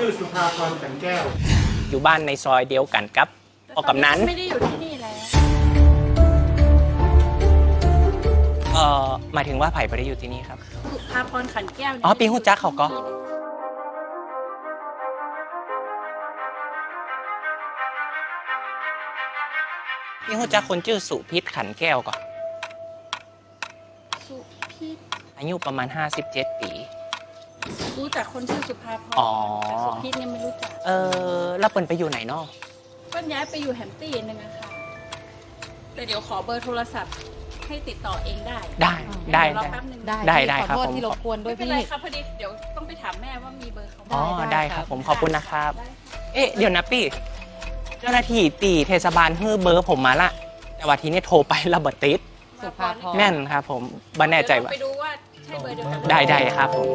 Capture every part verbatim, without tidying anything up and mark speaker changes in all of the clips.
Speaker 1: ชื่อสุภาพรขันแก้ว
Speaker 2: อยู่บ้านในซอยเดียวกันครับออกกำนัน
Speaker 3: ไม่ได้อยู่ที่นี่แล้ว
Speaker 2: เอ่อหมายถึงว่าไผ่ไม่ได้อยู่ที่นี่ครับ
Speaker 3: สุภาพรขันแก้ว
Speaker 2: อ๋อปีหูจักเขาก็ปีหูจักคนชื่อสุพิษขันแก้วก่อน
Speaker 3: สุพิษ
Speaker 2: อายุประมาณห้าสิบเจ็ดปี
Speaker 3: รู้จักคนชื่อสุภาพรแต่สุพิษเนี่ยไม่รู้จัก
Speaker 2: เออแล้วเปิ้นไปอยู่ไหนเนาะ
Speaker 3: เปิ้นย้ายไปอยู่แฮมป์ตี้นึงอะค่ะแต่เดี๋ยวขอเบอร์โทรศัพท์ให้ติดต่อเองได้
Speaker 2: ได้ได้
Speaker 3: ได้
Speaker 2: ได้ได้ครับผม
Speaker 4: ที่รบกวนด้วยพี่
Speaker 3: ไม่เป็นไรครับพอดีเดี๋ยวต้องไปถามแม่ว่ามีเบอร์เขา
Speaker 2: อ๋อได้ครับผมขอบคุณนะครับเอ๊ะเดี๋ยวนะพี่เจ้าหน้าที่ตีเทศบาลฮื้อเบอร์ผมมาละแต่ว่าทีนี้โทรไประเบิดติด
Speaker 4: สุภาพร
Speaker 2: แม่นครับผมไม่แน่ใจว่า
Speaker 3: ไปดูว่าใช่เบอร์เดียวกัน
Speaker 2: ได้ได้ครับผม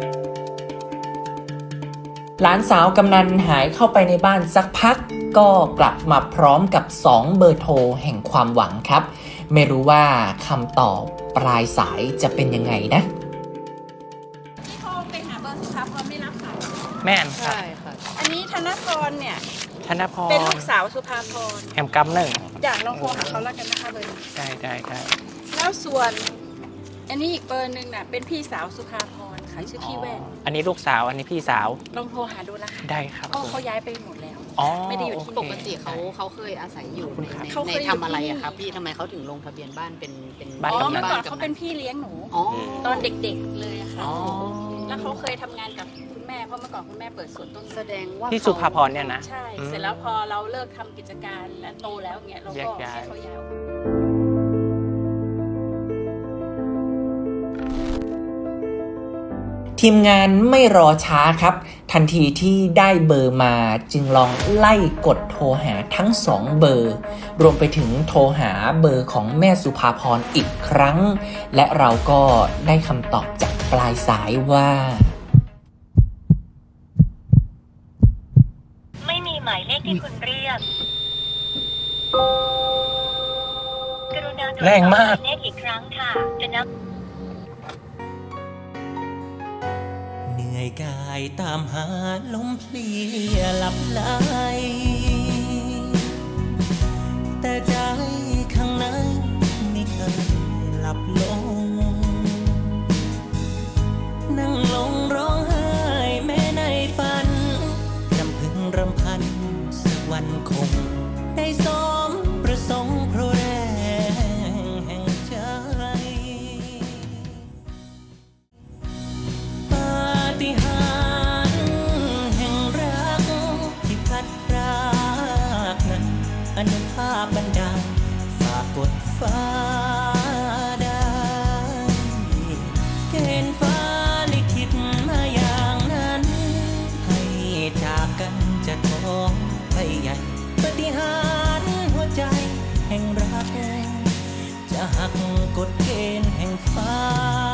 Speaker 5: หลานสาวกำนันหายเข้าไปในบ้านสักพักก็กลับมาพร้อมกับสองเบอร์โทรแห่งความหวังครับไม่รู้ว่าคำตอบปลายสายจะเป็นยังไงนะ
Speaker 3: ที่โทรไปหาเบอร์สุภาพรไม่รับสาย
Speaker 2: แม่นครับ
Speaker 4: ใช่ค่ะ
Speaker 3: อันนี้ธนพรเนี่ย
Speaker 2: ธนพร
Speaker 3: เป็นลูกสาวสุภาพร
Speaker 2: แอมกำหนึ่ง
Speaker 3: อยากลองโทรหาเขาแล้วกันนะคะเบอร์
Speaker 2: ได้ได้ได้
Speaker 3: แล้วส่วนอันนี้อีกเบอร์หนึ่งน่ะเป็นพี่สาวสุภาพรค่ะชื่อพี่แว่น
Speaker 2: อันนี้ลูกสาวอันนี้พี่สาว
Speaker 3: ลองโทรหาดูนะคะ
Speaker 2: ได้ครับ
Speaker 3: ก็เขาย้ายไปหมดแล้วไม่ได้อยู่ที่
Speaker 4: ปกติเขาเขาเคยอาศัยอยู่ในในทำอะไรอะครับพี่ทำไมเขาถึงลงทะเบียนบ้านเป็นเป็น
Speaker 2: บ้าน
Speaker 3: อ๋อ
Speaker 2: กำนั
Speaker 3: เมื่อก่อนเขาเป็นพี่เลี้ยงหนูตอนเด็กๆเลยค่ะแล้วเขาเคยทำงานกับคุณแม่เพราะเมื่อก่อนคุณแม่เปิดสวนต้น
Speaker 4: แสดงว่า
Speaker 2: พี่สุภาพรเนี่ยนะ
Speaker 3: ใช่เสร็จแล้วพอเราเลิกทำกิจการและโตแล้วเงี้ยเราก็ให้เขาย้าย
Speaker 5: ทีมงานไม่รอช้าครับทันทีที่ได้เบอร์มาจึงลองไล่กดโทรหาทั้งสองเบอร์รวมไปถึงโทรหาเบอร์ของแม่สุภาพรอีกครั้งและเราก็ได้คำตอบจากปลายสายว่า
Speaker 6: ไม่มีหมายเลขที่คุณเรียกกรุณาตรวจสอบหมายเลขอีกครั้งค่ะจะนับ
Speaker 5: เหนื่อยกายตามหาลมเพลียหลับไหลแต่ใจข้างในไม่เคยหลับลงนั่งลงร้องไห้แม้ในฝันรำพึงรำพันสักวันคงได้สมประสงค์เพราะแรงแห่งใจปาฏิหาริย์แห่งรักที่พัดพรากนั้นอนุภาพบันดาลฝากกดฟ้าได้เกณฑ์ฟ้าลิขิตมาอย่างนั้นให้จากกันจะท้องไปใหญ่ปาฏิหาริย์หัวใจแห่งรักจะหักกฎเกณฑ์แห่งฟ้า